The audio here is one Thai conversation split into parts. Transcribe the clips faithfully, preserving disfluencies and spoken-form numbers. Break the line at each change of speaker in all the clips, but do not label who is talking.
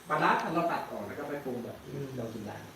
ปลาร้าเราตัดออกแล้วก็ไปปรุงแบบเรากินได้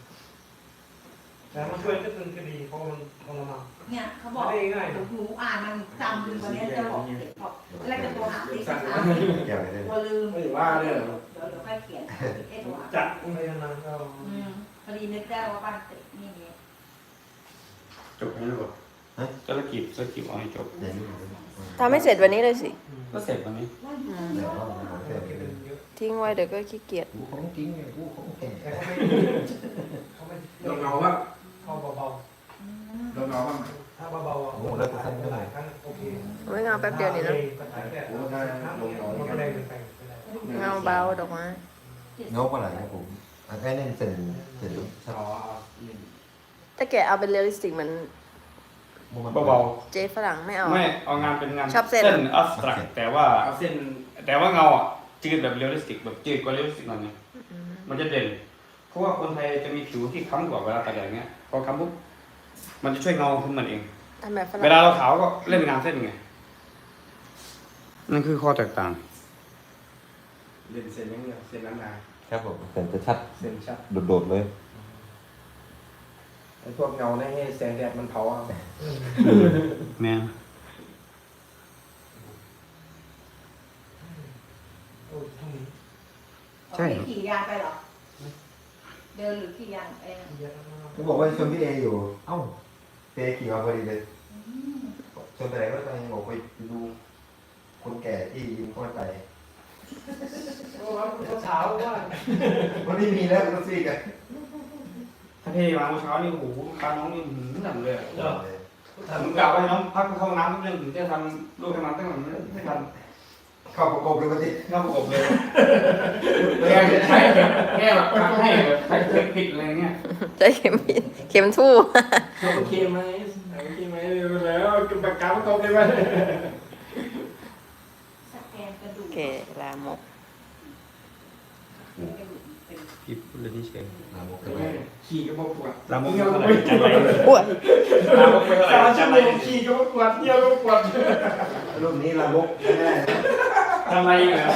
แต่มันช่วยก็ตึงคดีเพราะมันทรมาน
เนี่ยเขาบอกหนูอ่านมันจำวันนี้จะบอกเด็กบอกอะไรจะตัวหาติ๊กนะตัวลืม
ไม่ว่าเลย
เดี๋ยวเดี๋ยวค่อยเขียนเอ๊ะตัว
จัดไปนานก็
อืมพอดีนึกได้ว่าบ้านติดนี่นี่
จบให้หมดธุรกิจธุรกิจเอาให้จบ
ทำให้เสร็จวันนี้เลยสิ
ก็เสร็จวันนี้
อืมทิ้งไว้เดี๋ยวก็ขี้เกียจ
กูของจริงไงกูของแก่
แต่เขาไม่เขาไม่
เราเงาว่า
เขาเบา
เราเงาว่า
ๆถ้าเบาๆอ่ะโอ้แล้วก็ทำได้หลายครั้งโอเค
ไม่เงาแป๊บเดียวนี่นะ
โอ้ได้ลงมันก็แรงเกินไป
เงาเบาดอกไม้
เงาปลาไหลครับผมอันนี้เน้นเส้นเส้นชัด
อ๋อ
ถ้าแกเอาเป็นเรียลลิสติกเหมือน
เบา
เจ๊ฝรั่งไม่เอา
ๆไม่เอางานเป็นงาน
ชอบเส้น
อัสตรักแต่ว่า
เอาเส้น
แต่ว่าเงาอ่ะจืดแบบเรียลลิสติกแบบจืดกว่าเรียลลิสติกหน่อยนึงมันจะเด่นเพราะว่าคนไทยจะมีผิวที่ค้ำกว่าเวลาตัดอย่างเงี้ยพอค้ำปุ๊บมันจะช่วยเงาขึ้นมันเอง
ทำแบบฝ
เว
รั่ง
ลาเราขาวก็เล่นงานเส้นไงนั่นคือข้อแตกต่าง
เล่นเส้นยังเดียวเส้นนั้นนา
ครับผมเส้นจะชัด
เส้นชัด
โดดๆเลย
ไอ้พวกเงาเนี่ยให้แสงแดดมันเผาเอา
แม่น
โอ้ยทั้งนี้
ใช่ขี่ยานไปหรอเดินหรือขี่ยานเอง
เยอะมาก
เขาบอกว่าชวนพี่เออยู่ เอ้าเตะขี่มาพอดีเลยชวนไปไหนก็ไปบอกไปดูคนแก่ที่ยิมข้อยไป
โอ้ยเช้าว่า
วันนี้มีแล้วรถซีกัน
ถ้าเทมาเมื่อเช้านี่โอ้โหตาน้องนี่หืมหนักเลยอะ
เนาะ
ผมกล่าวให้น้องพักเข้าน้ำเรื่องถึงจะทำลูกทำน้ำตั้งแต่ไม่ทัน
เข้าประกบเลยวันนี้
เข้าประกบเลยแค่ใช้แค่แบบทำให้แบบใช้เทคนิคอะไรเงี้ย
ใจเข็มผิดเข็มทู่
โอเคไหมโอเคไหมแล้วกินปากกาประกอบเลยไหม
สแกนกระดู
โอก เคลามก
พี่พูดเรื่องนี้เฉย
ลามกเลย
ขี่ก็บอกปวด
ลามกไม่เท่าไหร่จันไร
อ้วน
ลามกไม่เท่าไหร่
สาม
จั
ชั่
น
ว
ไร
โมงขี่ก็บอกปวดเที่ยวก็ปวด
รุ่นนี้ลามกไม่ได้
จันไรเหรอ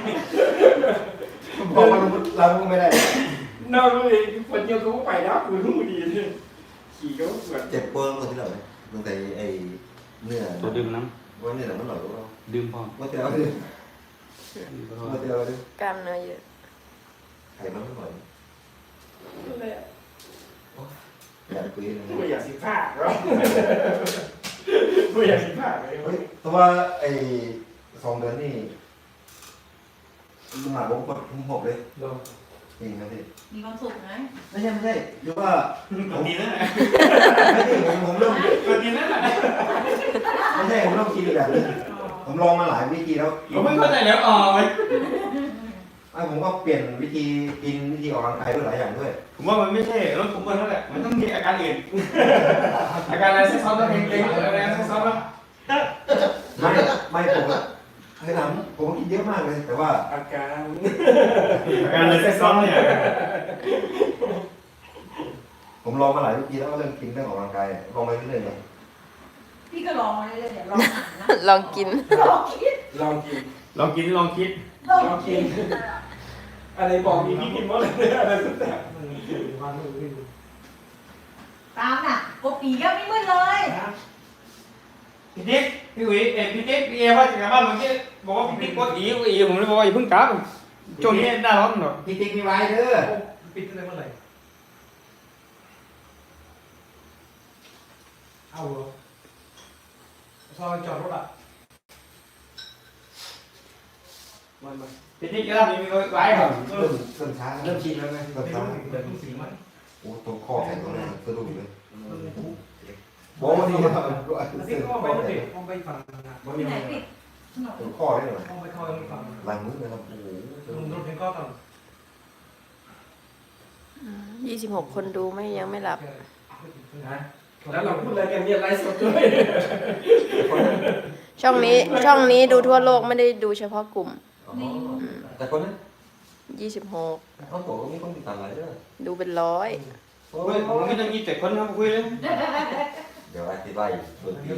บอกว่าลามกไม่ได้
นอกเลยปวดเที่ยวก็ไปแล้วคือรู้ดีขี่ก็ปวด
เจ็บปวดคนที่เราตรงใจไอ้เนื้อ
ตัวดื่มน้
ว่าเนื้อมันหล่อหรือเปล่า
ำดื่มพอ
ว่าเจ้าดิว่าเจ้าดิ
กล้ามเนื้อเยอะ
ไข่มันไม่หล่อ
เลย
อยากคุยเลย
ไม่อยากสิผ้าหรอไม่อยากสิผ้าเลย
เฮ้ยแต่ว่าไอ้สองเดือนนี่มหาบงกดทุ่มหกเลยจริงนะพี่
มีความสุขนะ
ไม่ใช่ไม่ใช่คือว่า
ตัวดีนั่นแหละ
ไม่ใช่ผมผมเริ่ม
ตัวดีนั่นแหละ
ไม่ใช่ผมเริ่มคิดอีกแบบนึงผมลองมาหลายวิธีแล้ว
ผมไม่เข้าใจแล้วอ๋อไว้
ไอ้ผมก็เปลี่ยนวิธีกินวิธีออกกำลังกายด้วยหลายอย่างด้วย
ผมว่ามันไม่ใช่รถผมเปิดนั่นแหละมันต้องมีอาการอื่นอาการอะไรซักซ้อนแล้วเก่งๆอะไรซักซ้อนแล้ว
ไม่ไม่ผมอะเคยทำผมก็กินเยอะมากเลย แต่ว่า
อาการ
อาการอะไรซักซ้อนเนี่ย
ผมลองมาหลายวิธีแล้วก็เรื่องกินเรื่องออกกำลังกายลองไปเรื่อยๆเลย
พี่ก็ลองมาเรื่อยๆเนี่ยลองอ่านนะ
ลองกิน
ลองคิด
ลองกิน
ลองกินลองคิด
ลองคิด
อะไรบอกมีพี่กินหมดเลยอะไรสุดแต่
วันนึง
ตามน่ะกบปีก็ไม่มืดเลย
พี่ติ๊กพี่อุ๋ยเอ็พี่ติ๊กพี่เอว่าจะกลับบ้านเมื่อกี้บอกว่าพี่ติ๊กกดอีกอีผมเลยบอกว่าอย่าเพิ่งกลับช่วงนี้หน้าร้อนหน่อย
พี่ติ๊กมีไว้เด้อ
ปิดได้เมื่อไหร่เอาเหรอซอยจอดรถอ่ะ
มันมา
พี่ติ๊กก็มีไว้ก่อน
เริ่มเริ่มช้า
เริ่มชินแล้วไง
เริ่มช้า
เดินสีมัน
โอ้ตรงข้อแขนตรงนี้สะดุ้งเลย
โบ้นี่
ที่ก็ไปนั่นเองต้องไปฝั่งนะ
มัน
ที่
ยัง
ไหน
ไง
ปิดถนน
ตรงข้อได้หน่อย
ต้องไปเข้าไปฝั่ง
ลายมือเลยครับโอ้โห
ลุงรถเห็นก็ต้อง
ยี่สิบหกคนดูไม่ยังไม่หลับ
นะแล้วเราพูดอะไรกันเนี่ยไลฟ์สดด้วย
ช่องนี้ช่องนี้ดูทั่วโลกไม่ได้ดูเฉพาะกลุ่ม
แต่คนนั้น
ยี่สิบหก
เขาบอกว่ามีคนติดตามหลายเด้อ
ดูเป็นร้อย
โอ้
เฮ้ย
ย
ผมไม่ต้องยี่สิบเจ็ดคนนะคุยเลย
เดี๋ยวอธิบายส่วนที่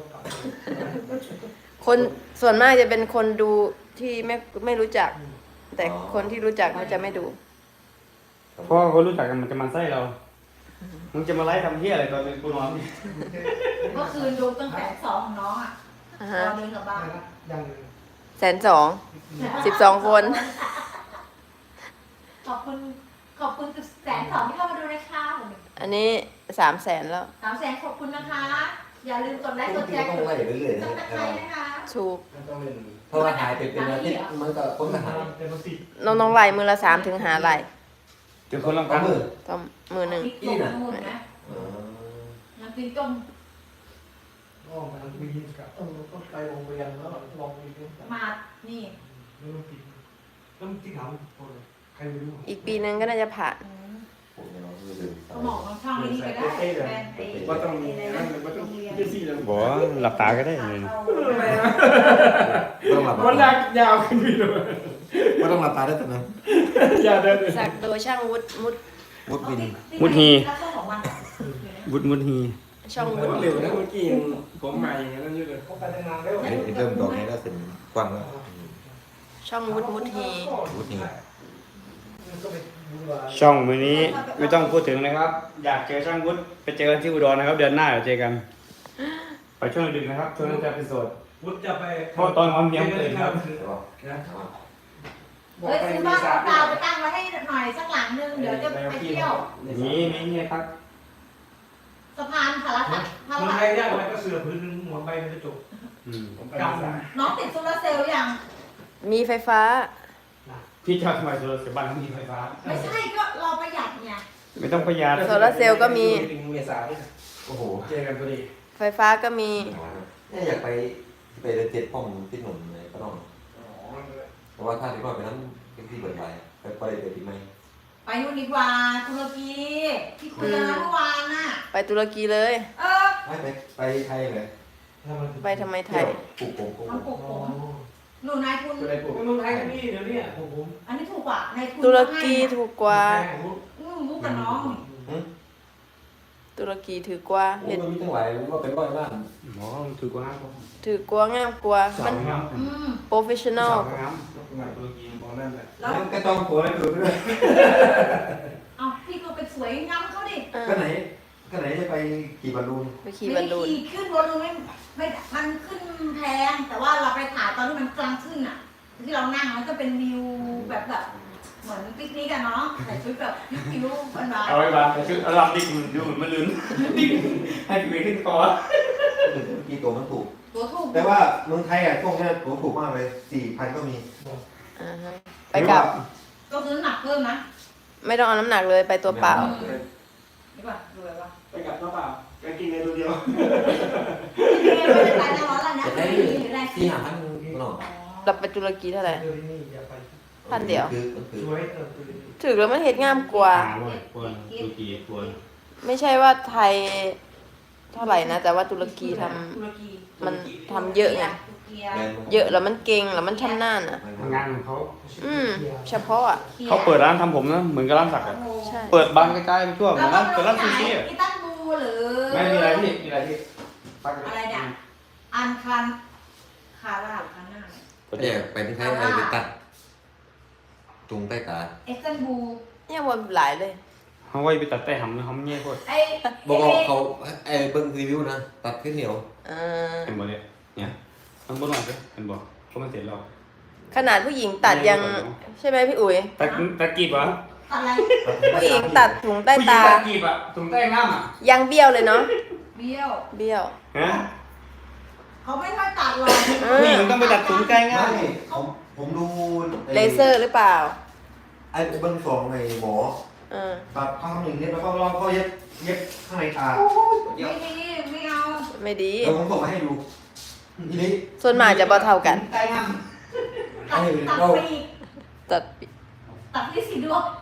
คนส่วนมากจะเป็นคนดูที่ไม่ไม่รู้จักแต่คนที่รู้จักเขาจะไม่ดู
เพราะว่าคนรู้จักกันมันจะมาไส้เรา มึงจะมาไล่ทำเหี้ยอะไรตอนเป็นกูนอนนี่
เมื่อคืนดูตั้งแต่สองของน้องอ่ะ
อ่า
ต
ฮะ
อนเดินกลับบ้าน
ยัง
แสนสองสิบสองคน
ขอบคุณขอบคุณแสนสองที่เข้ามาดูนะคะ
อันนี้สามแสนแล้ว
สามแสนขอบคุณนะคะ อย่าลืมกดไลค์กดแชร์
ต้องไล่เรื่อยๆ
ต้
นะ
องตะไคร้นะคะ
ถูก
มันต้องเป็น
เพราะว่าหายไปเป็นอาทิตย์มันก็คนก็หาย
เป็นภาษี
น้องน้องๆไล่มือละสามถึงหาไล่
เดี๋ยวคนลำ
ก็
พัง
มือ
ต้องมือหนึ่ง
พริกต้มนู่นนะ
อ๋อ
น้ำพริกต้ม
อ้อมมันมีกับเออต้องไปโรงเรียนแล้วลองมีเรื่อง
มานี่
แล้วมันติดแล้วมันติดถามคนใครไม่รู้
อีกปีนึงก็น่าจะผ่าน
ผมยังไม่ลืม
สมองมันช่องนี้ก็ได้แฟนไอ้
ว่าต้องมีนั่นมันต้องเยี่ยซี่เลย
บอกว่าหลับตาก็ได้เลย
อะไรนะ
ไม่ต้องหลับ
มัน
ตา
ลากยาวขึ้นไปเลย
ไม่ต้องหลับตาได้แต่นั้น
อย่าเดิน
สักโดยช่างวุฒิมุด
มุดบิน
มุดฮี
ของมัน
บุดมุดฮี
ช่องวุฒิ
เร็วนะเมื่อกี้ผมใหม่อย่างนั้นอยู่เลย
เขาไปตั้งนานแล้ว
ไอ้ไอ้เริ่มดอกนี้แล้วเสร็จกว้างแล้ว
ช่องวุฒิมุดฮี
มุดนี่
ก็ไปดูว่า
ช่องมือนี้ไม่ต้องพูดถึงนะครับ อยากเจอช่างวุฒิไปเจอกันที่อุดรนะครับ เดือนหน้าเดี๋ยวเจอกัน ไปช่วงดึกนะครับช่วงนั้นจะเป็นโสด
วุฒิจะไป
เพราะตอนวันเมียมตื่นครับ
ใช่ป่ะ
นะบอ
เฮ้
ก
ย
ไป
ซื้อ
มี
บ้าน
สา
ดาวไปตั้งไว้ให้หน่อยสักหลังนึงเดี๋ยวจะไปเที่ยว
นี่นี่นี่ครับ
สะพานสารพัดพา
เมือง
รา
ไทยยากอะไรก็เสือพื้นหัวใบมันจะจบ
อืม
ผมไปมีสา
น้องติดโซลาร์เซลล์ยัง
มีไฟฟ้า
พี่ชอบทำไมโซลาร์เซลล์บ้านเขามีไฟฟ้า
ไม่ใช่ก็เราประหยัดเนี่ย
ไม่ต้องประหยัด
โซลาร์เซลล์ก็มี
ถึงเมษาด้วย
โอ้โห
เจอกันพอดี
ไฟฟ้าก็มี
เนี่ยอยากไปไปเดินเจ็ดป้อมที่หนุนเลยก็ต้อง
อ๋อ
เพราะว่าถ้าที่ว่าไปนั้นเป็นที่เปิดไปไปไปได้เปิดอีกไหม
ไปนู่นดีกว่าตุรกีที่คุยกันเมื่อวานน่ะ
ไปตุรกีเลย
เออ
ไม่ไปไปไทยเลย
ไปทำไมไท
เที่ยวย ปลูกผมปลูก
มันปลุกผมหนูนายทุน
ก็ได้ปลูก
เมืองไทยนี่เดี๋ยวนี้ผมผม
อันนี้ถูกกว่านายทุน
ตุรกีถูกกว่า
อืมมุกกับน้องนี่
ตุรกีถือกว่า
เห็
เห็
น
น
มีทั้งหลายว่าเป็นร้อยล้าน
หมอถือกว่าครับ
ถือกว่างามกว่า
สา
มั
วน งาม
อืม
โปรเฟชชั่นอล
สาวงาม
งานตุรกีบอกนั่นแหละ
แล้ว
ก็ต้องผัวแล้วดูด้วย
เอาพี่ก็ไปสวยงามเขาดิ
ก็ไหนก็ไหนจะไปขี่บอลลูน
ไปขี่บอลลูน
ไม่ได้ขี่ขึ้นบอลลูนไม่ไม่มันขึ้นแพงแต่ว่าเราไปถ่ายตอนที่มันกลางขึ้นอ่ะ ที่เรานั่งมันก็เป็นวิวแบบแบบเหมือนปิกนิกกันเนาะใส่ชุดแบบพิ้วๆหวาน
เอาไว้บ้างชุดอารามดิกดูเหมือนมันลื่นดิกให้พี่ขึ้นคอ
กี่ตัวมันถูก
ๆตัวถูก
แต่ว่าเมืองไทยอ่ะพวกนี้ตัวถูกมากเลยสี่พันก็มี
อ่าฮะไปกลับ
ก็ซื้อหนักเพิ่มนะ
ไม่ต้องเอาน้ำหนักเลยไปตัวเปล่า
ดีกว่าดูแบบว่า
ไปกับน้องเปล่าไปกินในตัวเดียว
ไม่ได้ไปนะร้อนแล้วนะ
จะได้
ไม่ได้
สี่ห้าพันก็หน่อย
เราไปตุรกีเท่าไหร่
เดี๋ยวนี้อย่าไป
พันเดียว
คือคือ
สวยเออ
ถือแล้วมันเห็ดงามกว่า
ควรตุรกีควร
ไม่ใช่ว่าไทยเท่าไหร่นะ แต่ว่าตุรกีทำ
ตุรกี
มันทำเยอะไง
ตุรกี
เยอะแล้วมันเก่งแล้วมันชำนาญอ่ะ
งานของเขา
อืม เฉพาะอ่ะ
เขาเปิดร้านทำผมนะเหมือนกับร้านสักดิ์อะ
ใช่
เปิดบานใกล้ๆไปทั่วเหมื
แล้
อ
วน ก็
ร้านเปิดร้านซูชิอะ
อิตันบูหรือ
ไม่มีอะไรพี่มีอะไรพี่
อะไรเนี่ยอันคันคาราคาน่า
ก็จะไปที่ไทยไปตัดจุงใต้ตา
เอสตันบู
เนี่ยวันหลายเลย
เขาไว้ไปตัดแต่หำนะเขาไม่เงี้ยโคตร
ไอ้
บอกว่าเขาไอ้เบิ้งรีวิวนะตัดขึ้นเหนียว
เออ
เห็นบ่เนี่ยเนี่ยมันบ่หน่อยเลยเห็นบ่ก็มันเสร็จแล้ว
ขนาดผู้หญิงตัดยังใช่ไหมพี่อุ๋ย
ตัดตัดกีบเหรอ
อะไร
ผู้หญิงตัดถุงใต้ตา
ผู้หญิงตัดกีบอะตรงใต้ง่ามอะ
ยังเบี้ยวเลยเนาะ
เบี้ยว
เบี้ยว
ฮะ
เขาไม่ค่อยตัดหรอก
เอ
ผู้
อ
หญิงต้องไปตัดถุงใต้ง่าม
ไม่ผมผมดู
เลเซอร์หรือเปล่า
ไอ้เบิ้งสองไอ้หมอ
เออ
ตัดข้างหนึ่งเนี่ยแล้วก็รอบก็เย็บเย็บข้างในตา
ไม่ดีไม่เอา
ไม่ดี
เดี๋ยวผมส่งมาให้ดูทีนี้
ส่วนมากจะบ่เท่ากัน
ใต้น้ำตัดตัดไปอีก
ตัด
ตัดที่สีดวง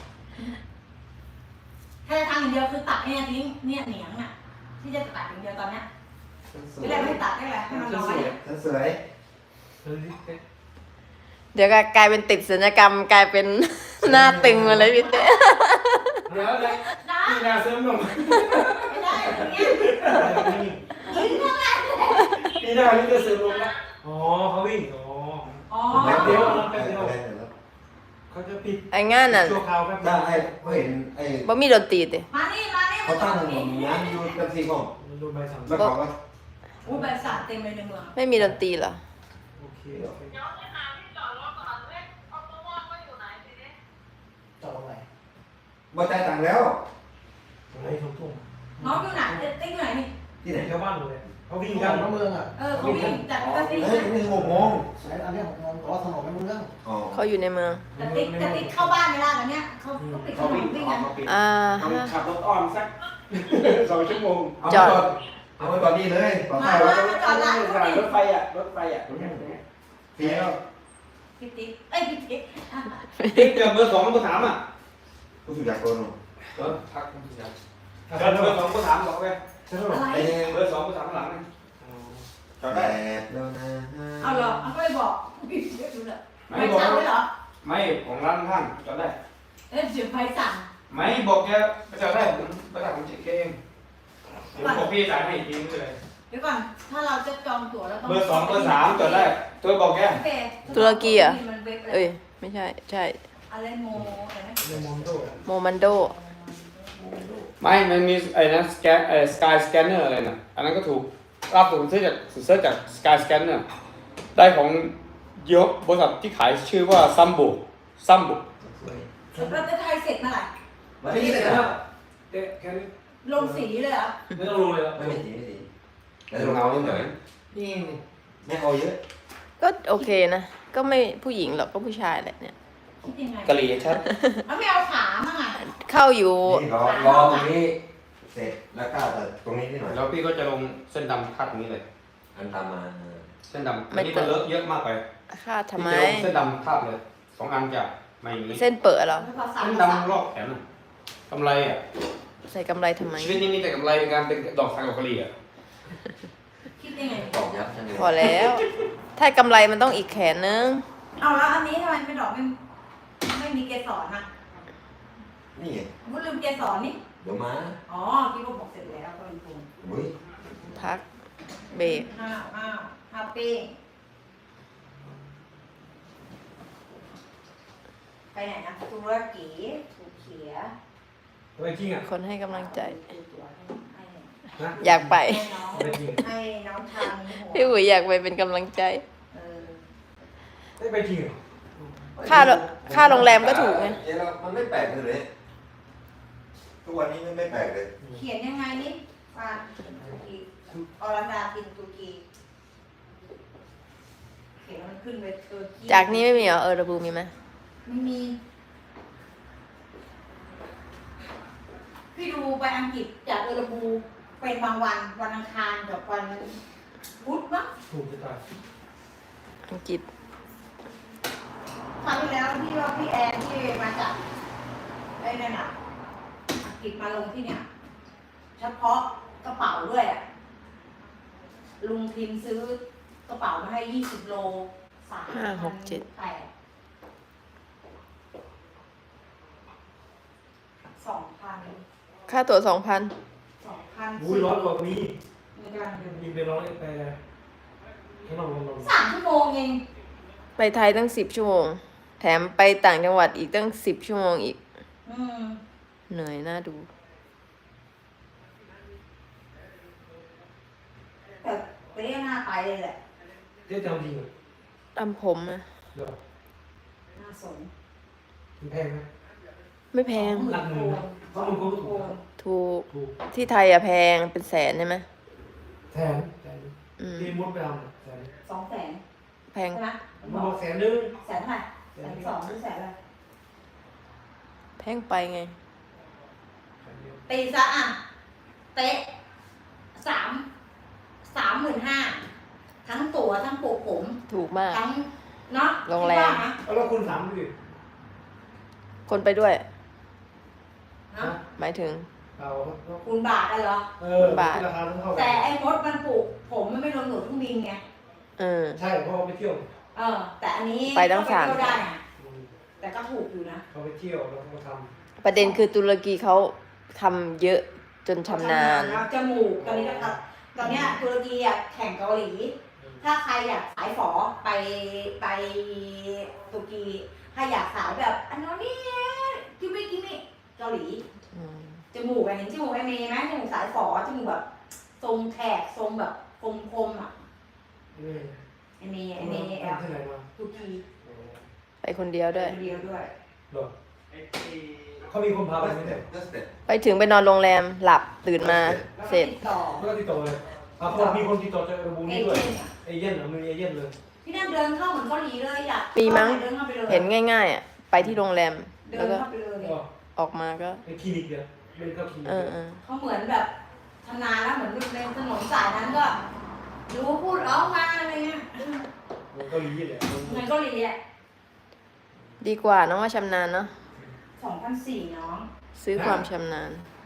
แค่ทางอย่างเดียวคือตัดเนี่ยทิ้งเนี่ยเหนียงอ่ะที่จะตัดอย่างเดียวตอนเนี้ยไม่ได้ไม่ตัดได้แหละให้มันน้อย
ฉันสวย
เดี๋ยวก็กลายเป็นติดศัลยกรรมกลายเป็น หน้าตึงมาเลยพี่เต้
เดี๋ยวเลย
นะ
พี่นาเสริมลง
ไม่ได้อย่างเงี้ยทิ้งเท่าไหร่
พี่นานี่จะเสริมลงละ
อ๋อเขาวิ่งอ๋อ
อ๋อ
แล้วเดี๋ยว
แป๊บเดียว
แล้ว
เขาจะปิด
ไอ้งานน่ะ
ชั่วคราวครับ
ได้ไอ้เขาเห็นไอ้
บ่มีดนตรีติ
มานี่มานี่
เขาตั้งงานอยู่กับซีก่อน
ดูใบสั่ง
แล้วเขาก็
อู้ใบสั่งเต็มเลยในเมือง
ไม่มีดนตรีเหรอ
โอเคโอเคจอดตรงไหน
บ่จ่ายตังค์แล้ว
ตรงไหนทุ่งทุ่ง
น้องอยู่ไหนติ๊กอยู่ไหนนี่
ที่ไหน
ชาวบ้านเลยเขาวิ่งกันน้ำเมืองอ่ะ
เออเขาวิ่งจากกระติ๊ก
เฮ้ยนี่หกโมง
สายอันนี้ของเราขอถนนไม่รู้เรื่อง
อ๋อ
เขาอยู่ในเมือง
กระติ๊กกระติ๊กเข้าบ้านไม่ได้ตอนเนี้ยเขาเขาปิดถ
เขา
น
วิ่ง
นวิ่ง
ออ
กั
ก
น
มาปิด
อ่า
ต้อง
ฮะ
ขับรถอ้อมสัก สองชั่วโมง
เอาไปก่อนเอาไปก่อนนี่เลยต่อ
มา
ไป
มามาจอดร้านเขาดิ
รถไฟอ่ะรถไฟอ่ะตรงนี้ตรงนี้
เฟี้ยว
พี่ติ๊กเอ้ยพี่ติ๊ก
ติ๊กเจอเบอร์สองเบอร์สามอ่ะ
ผู้สุดยอดโกน
เออทักคุณสุดยอดเจอเบอร์สองเบอร์สามบอกไป
ใช่ไหม
อะไร
ไอ้นี่
เบอร์สองเบอร์สามข้างหลังนี่จอด
แป
ได้
ดแล้วนะ
เอาเหรอเอาก็เลยบอกพี่เดี๋ยวดูเลย
ไม่
ไม่
บอก
สั่งเลยเหรอ
ไม่ของร้านข้างจอดได้
เอ้ยเดี๋ยวไปสั่ง
ไม่บอกแกไปจอดได้ผมไปจ่ายผมเช็คเองผมบอกพี่จ่ายให้อีกทีนึงเลย
เดี๋ยวก่อนถ้าเราจะจองตั๋วเราต้อง
เบอร์สองเบอร์สามจอดได้ตัวบอกแก
โอเค
ตุรกีเหรอ
มันเว็บอะไร
เอ้ย ไม่ใช่ ใช่
อะไรโมอะไรนะ
ในมอนโด
โมมันโด
ไม่มันมีไอ้นะสแกนไอ้สกายสแกนเนอร์อะไรน่ะอันนั้นก็ถูกรับผมซื้อจากเซิร์ชจากสกายสแกนเนอร์ได้ของยกบริษัทที่ขายชื่อว่าซัมโบซัมโบ
เราจะไทยเสร็จเมื่อไหร่
มาที่นี่เลยครับ
เด็กแค่นี้
ลงสีเลยเหรอ
ไม่ต้องรู้เลย
ไม่ไม่สีไม่สีแต่ลงเงาเฉย
นี่นี่
ไม่เอาเยอะ
ก็โอเคนะ ก็ไม่ผู้หญิงหรอกก็ผู้ชายแหละเนี่ย
คิดยังไง
กะหรี่ชัด
แล้วไม่เอาขามั่งอ่ะ
เข้าอยู่
นี่รอรอตรงนี้เสร็จแล้วก็แต่ตรงนี้นิดหน่อย
แล้วพี่ก็จะลงเส้นดำคาดตรงนี้เลย
อันตามมา
เส้นดำอันนี้มันเลอะเยอะมากไป
คาดทำไม
พี่จะลงเส้นดำคาดเลยสองอันจะไม่อย่างนี้
เส้นเปิดเหรอ
แล้วก็สั่ง
เส้น
สั่ง
ดำรอบแขนน่ะกำไรอ่ะ
ใส่กำไรทำไม
ชีวิตนี้มีแต่กำไรในการเป็นดอกสักดอกกะหรี่อ่ะ
คิดยังไง
ตอกยับใช่ไหม
พอแล้ว ถ้ากำไรมันต้องอีกแขนนึง
เอาแล้วอันนี้ทำไมไม่ดอกไม่ไม่มีเกสรนะ
นี่ไง
มุลืมเกสรนี่
เดี๋ยวมา
อ๋อคิดว่าบอกเสร็จแล้วก็เป็นคุณ
อุ้ย
พัก เบรก
อ้าวอ้าวฮาปี้ไปไหนนะตุรกีถูกเขีย
ไปจริงอ่ะ
คนให้กำลังใจ
ให้
นะ
อยากไป
ให้น้อง
ไปจริง
ให้น้องชายมีหัว
พี่อุ๋ยอยากไปเป็นกำลังใจ
เออ
ได้ไปจริงเหรอ
ค่าโรค่าโรงแรมก็ถูกไง
เดี๋ยวเรามันไม่แปลกเลยทุกวันนี้ไม่แปลกเลย
เขียนยังไงนี่ฟานตุรกีอรดาตินตุรกีเขียนมันขึ้นไปเออ
จากนี้ไม่มีเหรอ เออระบูมีไหม
ไม่มี พี่ดูไปอังกฤษจากเออร์บูเป็นบางวันวันอังคารกับวันพุธมั้ง
ถูกจะตาย
อังกฤษ
คราวที่แล้วพี่ว่าพี่แอนที่มาจากไอ้นั่นอ่ะอังกฤษมาลงที่เนี่ย เฉพาะกระเป๋าด้วยอ่ะลุงพิมพ์ซื้อกระเป๋ามาให้ยี่สิบโลสาม
ห้าหกเจ็ด
แปดสองพัน
ค่าตั๋วสองพัน
สองพัน
อุ้ยร้อนกว่านี้
มีการเดิน
ยิงไปร้อนไปข้างนอกลงลง
สามชั่วโมงเอง
ไปไทยตั้งสิบชั่วโมง แถมไปต่างจังหวัดอีกตั้งสิบชั่วโมงอีก
อืม
เหนื่อยน่าดู
แต่ไปเรียกหน้าไปเลยแหละ
เจ๊จำจริงเหรอ
ทำผมนะ
เดี๋ยว
หน้าสน
มันแพงไหม
ไม่แพง
หลักหมื่นนะ
สองหมื่นโคน
ถูก
ถูก
ที่ไทยอะแพงเป็นแสนใช่ไหม
แสนแสน
อืม
ที่มุดไปทำแสน
สองแสน
แพง
ใช่ไหม
มันบอกแสนนึง
แสนเท่าไหร่แสนสองหรือแสนอะไร
แพงไปไง
แสนเดียว
ตีซะอ่ะ เตะสามสามหมื่นห้าทั้งตั๋วทั้งปลูกผม
ถูกมาก
ทั้งเนาะ
โรงแรม
คิดว่านะ
เอาแล้วคุณถามดิ
คนไปด้วย
เนาะ
หมายถึง
เอา
คูณบาทกันเหรอ
เออ
บาท
ราคาเท่ากั
แต่
น
ไอ้มดมันปลูกผมมันไม่รวมหนูทุกบินไง
เออ
ใช่เพราะเขาไปเที่ยว
เออ แต่อันนี้
ไปทั้งสาม
ก็ไปเที่ยวได้นะ
อืม
แต่ก็ถูกอยู่นะ
เขาไปเที่ยวแล้วเขาท
ประเด็นคือตุรกีเขาทำเยอะจนชำนาญ
จมูกตอนนี้ก็ครับตอนเนี้ยตุรกีอ่ะแข่งเกาหลี ถ้าใครอยากสายฝอไปไปตุรกีถ้าอยากสาวแบบอันนู้นนี่กิมมี่กิมมี่เกาหลี
อืม
จมูกอะเห็นจมูกไอเมย์ไหมจมูกสายฝอจมูกแบบทรงแขกทรงแบบคมๆอ่ะ
นี่
ไอเมย์ไอเมย์แอ
เอา
บ
ที่ไหนมา
ทุกที
ไปคนเดียวด้วย
คนเดียวด้วย
หรอเขามีคนพาไปไหมเนี่ย
That's it
ไปถึงไปนอนโรงแรมหลับตื่นมา
แล้ว
เสร็จ
ติดต่อ
แล้วก็ติดต่อเลยอ่ะเขามีคนติดต่อจากระบุ
เอ
นี้
เจ
ด้วย
นต์อะ
เอเย่นเหรอมีเอเย่นเลย
พี่นั่งเดินเข้าเหมือนเกาหลีเลยอยาก
มีมั้ง
เดินเข้าไปเลย
เห็นง่ายๆอ่ะไปที่โรงแรม
เดิ
แล้ว
น
ก็
เข้าไปเลย
ก็
ออกมาก็
ในคลินิกเนี่ยเป็นเข้าคลินิก
เออเออ
เขาเหมือนแบบชำนาญแล้วเหมือนในถนนสายนั้นก็รู้พูดร้องมาอะไรเงี้ย
เหมือนเกาหลีเลย
เหมือนเกาหลีอ่ะ
ดีกว่าน้องว่าชำนาญเนาะ
สองพันสี่น้อง
ซื้อความชำนาญ
ส